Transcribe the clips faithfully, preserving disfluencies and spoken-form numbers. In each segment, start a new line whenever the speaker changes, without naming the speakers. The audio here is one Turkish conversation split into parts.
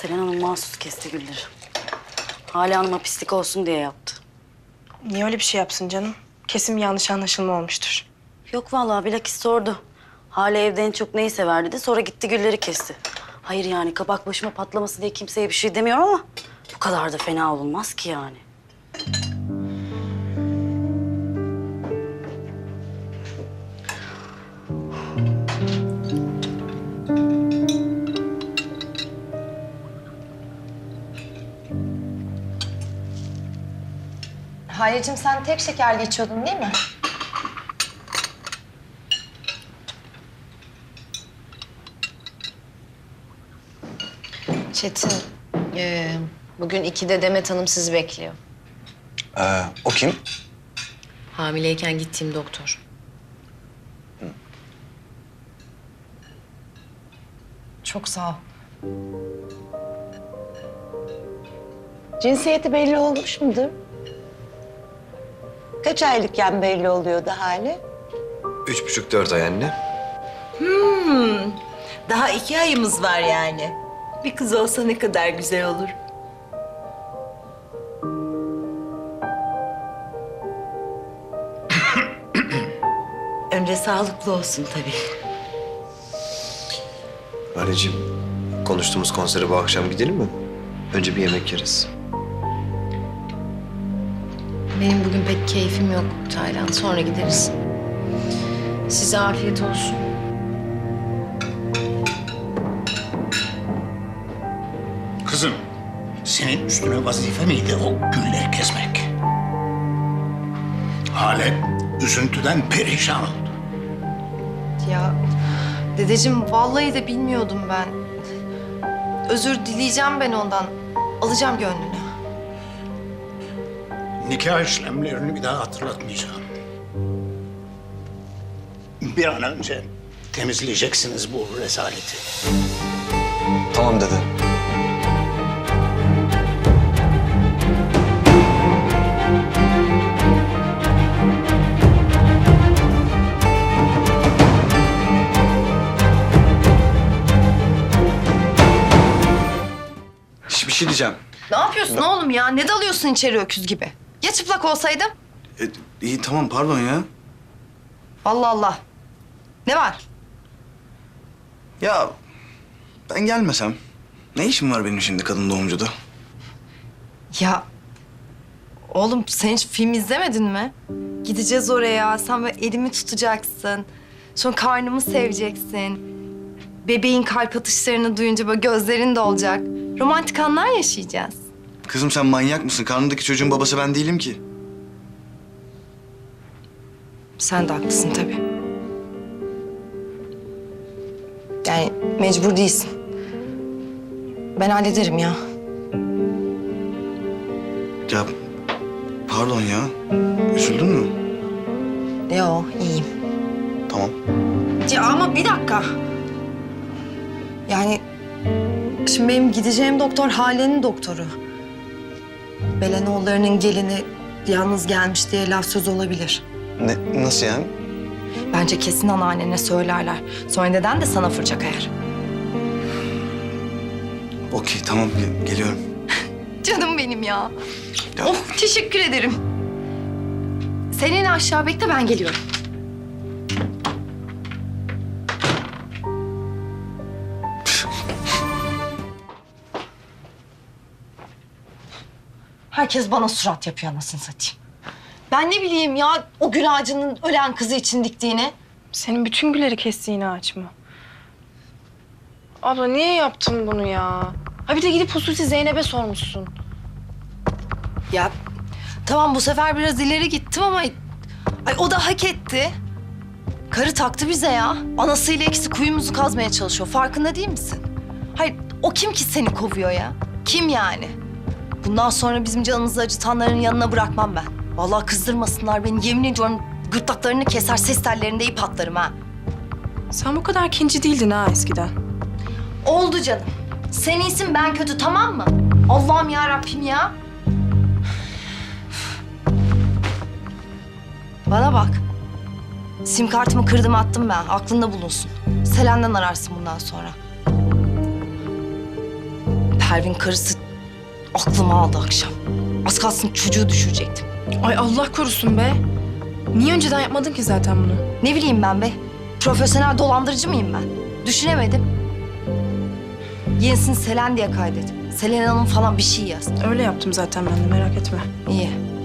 Selen Hanım mahsus kesti gülleri. Hale Hanım'a pislik olsun diye yaptı.
Niye öyle bir şey yapsın canım? Kesin bir yanlış anlaşılma olmuştur.
Yok vallahi bilakis sordu. Hale evde en çok neyi sever dedi. Sonra gitti gülleri kesti. Hayır yani kabak başıma patlaması diye kimseye bir şey demiyorum ama... ...bu kadar da fena olunmaz ki yani.
Hayır'cığım sen tek şekerli içiyordun değil mi? Çetin, ee, bugün ikide Demet Hanım sizi bekliyor.
Ee, o kim?
Hamileyken gittiğim doktor. Çok sağ ol.
Cinsiyeti belli olmuş mudur? Kaç aylıkken belli oluyordu hali?
Üç buçuk dört ay anne.
Hmm, daha iki ayımız var yani. Bir kız olsa ne kadar güzel olur. Önce sağlıklı olsun tabii.
Anneciğim, konuştuğumuz konsere bu akşam gidelim mi? Önce bir yemek yeriz.
Benim bugün pek keyfim yok Taylan. Sonra gideriz. Size afiyet olsun.
Kızım, senin üstüne vazife miydi o gülleri kesmek? Hale üzüntüden perişan oldu.
Ya dedeciğim vallahi de bilmiyordum ben. Özür dileyeceğim ben ondan. Alacağım gönlünü.
Nikah işlemlerini bir daha hatırlatmayacağım. Bir an önce temizleyeceksiniz bu rezaleti.
Tamam dede. Şş, bir şey diyeceğim.
Ne yapıyorsun oğlum ya? Ne dalıyorsun içeri öküz gibi? Ya çıplak olsaydım?
E, iyi tamam pardon ya.
Allah Allah. Ne var?
Ya ben gelmesem ne işim var benim şimdi kadın doğumcuda?
Ya oğlum sen hiç film izlemedin mi? Gideceğiz oraya. Sen böyle elimi tutacaksın. Sonra karnımı seveceksin. Bebeğin kalp atışlarını duyunca böyle gözlerin dolacak. Romantik anlar yaşayacağız.
Kızım sen manyak mısın? Karnındaki çocuğun babası ben değilim ki.
Sen de haklısın tabii. Yani mecbur değilsin. Ben hallederim ya.
Ya pardon ya. Üzüldün mü?
Yo iyiyim.
Tamam.
Ya ama bir dakika. Yani şimdi benim gideceğim doktor Hale'nin doktoru. Belenoğullarının gelini yalnız gelmiş diye laf söz olabilir.
Ne, nasıl yani?
Bence kesin anneannene söylerler. Sonra neden de sana fırça kayar.
Okey tamam ge- geliyorum.
Canım benim ya.
Ya,
Oh teşekkür ederim. Senin aşağı bekle ben geliyorum. Herkes bana surat yapıyor anasını satayım. Ben ne bileyim ya o gül ağacının ölen kızı için diktiğini.
Senin bütün gülleri kestiğin ağaç mı? Abla niye yaptın bunu ya? Ha bir de gidip hususi Zeynep'e sormuşsun.
Ya tamam bu sefer biraz ileri gittim ama... Ay o da hak etti. Karı taktı bize ya. Anasıyla ikisi kuyumuzu kazmaya çalışıyor. Farkında değil misin? Hayır o kim ki seni kovuyor ya? Kim yani? Bundan sonra bizim canımızı acıtanların yanına bırakmam ben. Vallahi kızdırmasınlar beni. Yemin ediyorum gırtlaklarını keser, ses tellerinde ip atlarım ha.
Sen bu kadar kinci değildin ha eskiden.
Oldu canım. Sen iyisin ben kötü tamam mı? Allah'ım ya Rabbim ya. Bana bak. Sim kartımı kırdım attım ben. Aklında bulunsun. Selen'den ararsın bundan sonra. Pervin karısı aklımı aldı akşam. Az kalsın çocuğu düşürecektim.
Ay Allah korusun be. Niye önceden yapmadın ki zaten bunu?
Ne bileyim ben be. Profesyonel dolandırıcı mıyım ben? Düşünemedim. Yenisini Selen diye kaydet. Selen Hanım falan bir şey yaz.
Öyle yaptım zaten ben de, merak etme.
İyi.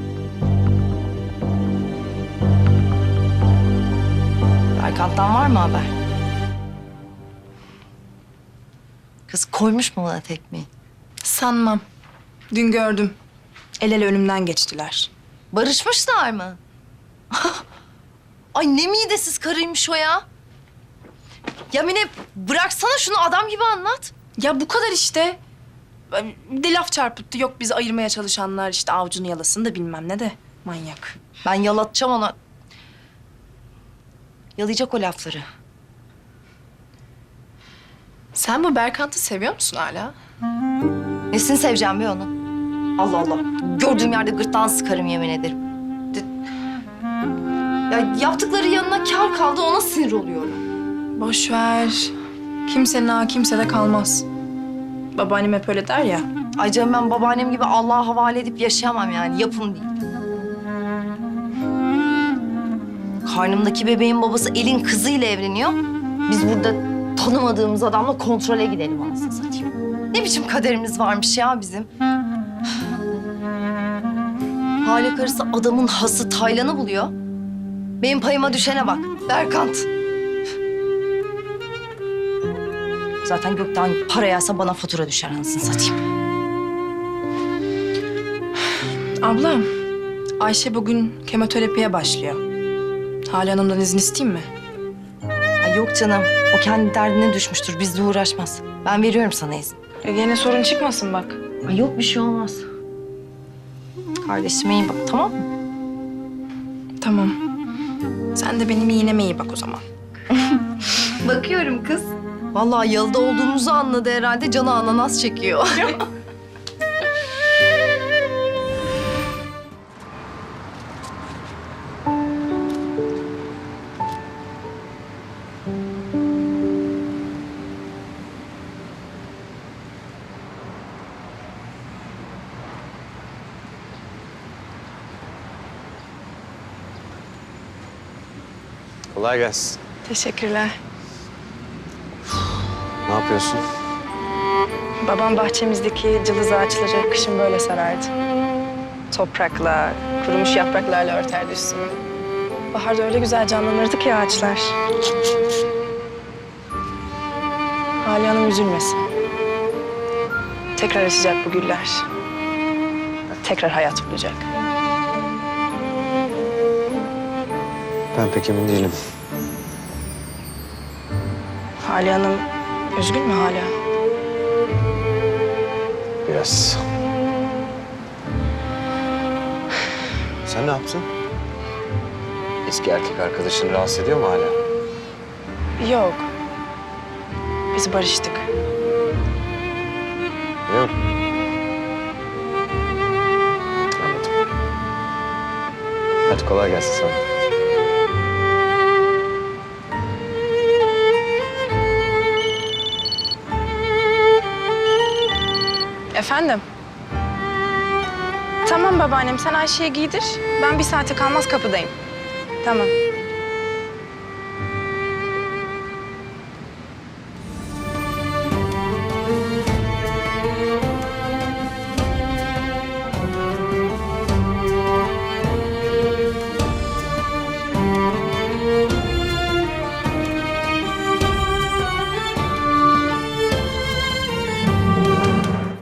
Berkant'tan var mı haber? Kız koymuş mu bana tekmeyi?
Sanmam. Dün gördüm. El ele önümden geçtiler.
Barışmışlar mı? Ay ne midesiz karıymış o ya. Ya Mine bıraksana şunu, adam gibi anlat.
Ya bu kadar işte. Bir de laf çarpıttı. Yok bizi ayırmaya çalışanlar işte avucunu yalasın da bilmem ne de. Manyak.
Ben yalatacağım ona. Yalayacak o lafları.
Sen bu Berkant'ı seviyor musun hala?
Nesini seveceğim be onu? Allah Allah. Gördüğüm yerde gırtlağını sıkarım yemin ederim. De- Ya yaptıkları yanına kâr kaldı, ona sinir oluyorum.
Boş ver. Kimsenin ağı kimsede kalmaz. Babaannem hep öyle der ya.
Ay canım ben babaannem gibi Allah'a havale edip yaşayamam yani. Yapın değil. Karnımdaki bebeğin babası elin kızıyla evleniyor. Biz burada tanımadığımız adamla kontrole gidelim anasını satayım. Ne biçim kaderimiz varmış ya bizim. Hale karısı adamın hası Taylan'ı buluyor. Benim payıma düşene bak. Berkant. Zaten gökten para yağsa bana fatura düşer anasını satayım.
Ablam, Ayşe bugün kemoterapiye başlıyor. Hale Hanım'dan izin isteyeyim mi?
Ay yok canım. O kendi derdine düşmüştür. Bizle uğraşmaz. Ben veriyorum sana izin.
E gene sorun çıkmasın bak.
Ay yok bir şey olmaz. Kardeşime iyi bak, tamam mı?
Tamam. Sen de benim iğneme iyi bak o zaman.
Bakıyorum kız. Vallahi yalıda olduğumuzu anladı herhalde. Canı ananas çekiyor.
Kolay gelsin.
Teşekkürler.
Ne yapıyorsun?
Babam bahçemizdeki cılız ağaçları kışın böyle sarardı. Toprakla, kurumuş yapraklarla örterdi üstünü. Baharda öyle güzel canlanırdı ki ağaçlar. Hale Hanım üzülmesin. Tekrar açacak bu güller. Tekrar hayat bulacak.
Ben pek emin değilim.
Hale Hanım üzgün mü hala?
Biraz. Sen ne yaptın? Eski erkek arkadaşını rahatsız ediyor mu hala?
Yok. Biz barıştık.
Yok. Anladım. Hadi kolay gelsin sana.
Efendim? Tamam babaannem, sen Ayşe'ye giydir. Ben bir saate kalmaz kapıdayım. Tamam.